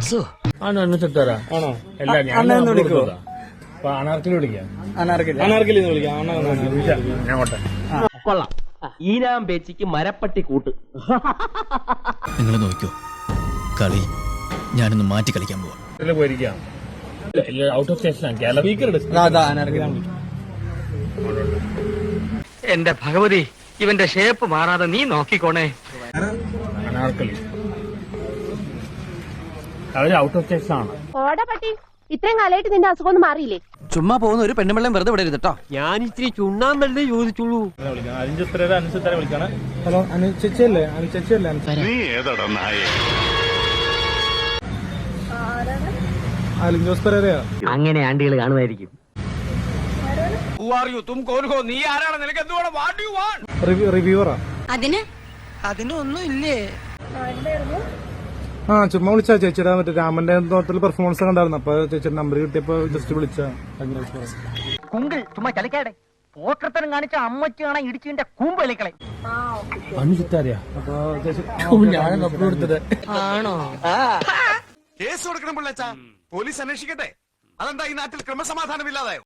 ആണോ അനുചിത്താരാ ആണോ? അല്ല ഞാൻ വിളിക്കോ? അനാർക്കലി വിളിക്കാം. അനാർക്കലി എന്ന് വിളിക്കാം. ഞാൻ കോട്ടെ. കൊള്ളാം. ഈനാം പേച്ചിക്ക് മരപ്പട്ടി കൂട്ട്. നിങ്ങൾ നോക്കൂ, കളി ഞാനൊന്ന് മാറ്റി കളിക്കാൻ പോവാ. പോയിരിക്കാം. ഔട്ട് ഓഫ് സ്റ്റേഷനാണ് കേരള. എന്റെ ഭഗവതി, ഇവന്റെ ഷേപ്പ് മാറാതെ നീ നോക്കിക്കോണേ. അനാർക്കലി അവര് ഔട്ട് ഓഫ് സ്റ്റേഷനാണ്. ഓടാ പട്ടി, ഇത്രയും കാലമായിട്ട് നിന്റെ അസുഖം ഒന്നും മാറിയില്ലേ? ചുമ്മാ പോകുന്ന ഒരു പെണ്ണുമ്പള്ളം വെറുതെ വിടരുത് കേട്ടോ. ഞാൻ ഇത്തിരി ചുണ്ണാമ്പല്ലേ ചോദിച്ചുള്ളൂ. വിളിക്കാണ്. ഹലോ, അനുചേച്ചിയല്ലേ? നീ ഏതാടാ നായേ? ജോസ് പെരേരയാ. അങ്ങനെ ആണ്ടികൾ കാണുമായിരിക്കും. റിവ്യൂവറാ. അതിനൊന്നും ഇല്ലേ? ചുമ്മാ വിളിച്ചാ ചേച്ചിയുടെ മറ്റേ രാമന്റെ തോട്ടത്തിൽ പെർഫോമൻസ് കണ്ടായിരുന്നു. അപ്പൊ ചേച്ചിയുടെ നമ്പർ കിട്ടിയപ്പോ ജസ്റ്റ് വിളിച്ചാ. കുങ്കിൾ ചുമ്മാ ചലിക്കാടെ പോക്കർത്തനം കാണിച്ച അമ്മച്ച് കാണാൻ ഇടിച്ചിന്റെ കൂമ്പലിക്കളെ. അനുചിത്താരിയാ. അപ്പൊ ചേച്ചി ഞാൻ അപ്ലോഡ് എടുത്തത്. ആണോ? കേസ് കൊടുക്കണം പിള്ളേച്ചാ. പോലീസ് അന്വേഷിക്കട്ടെ. അതെന്താ ഈ നാട്ടിൽ ക്രമസമാധാനമില്ലാതായോ?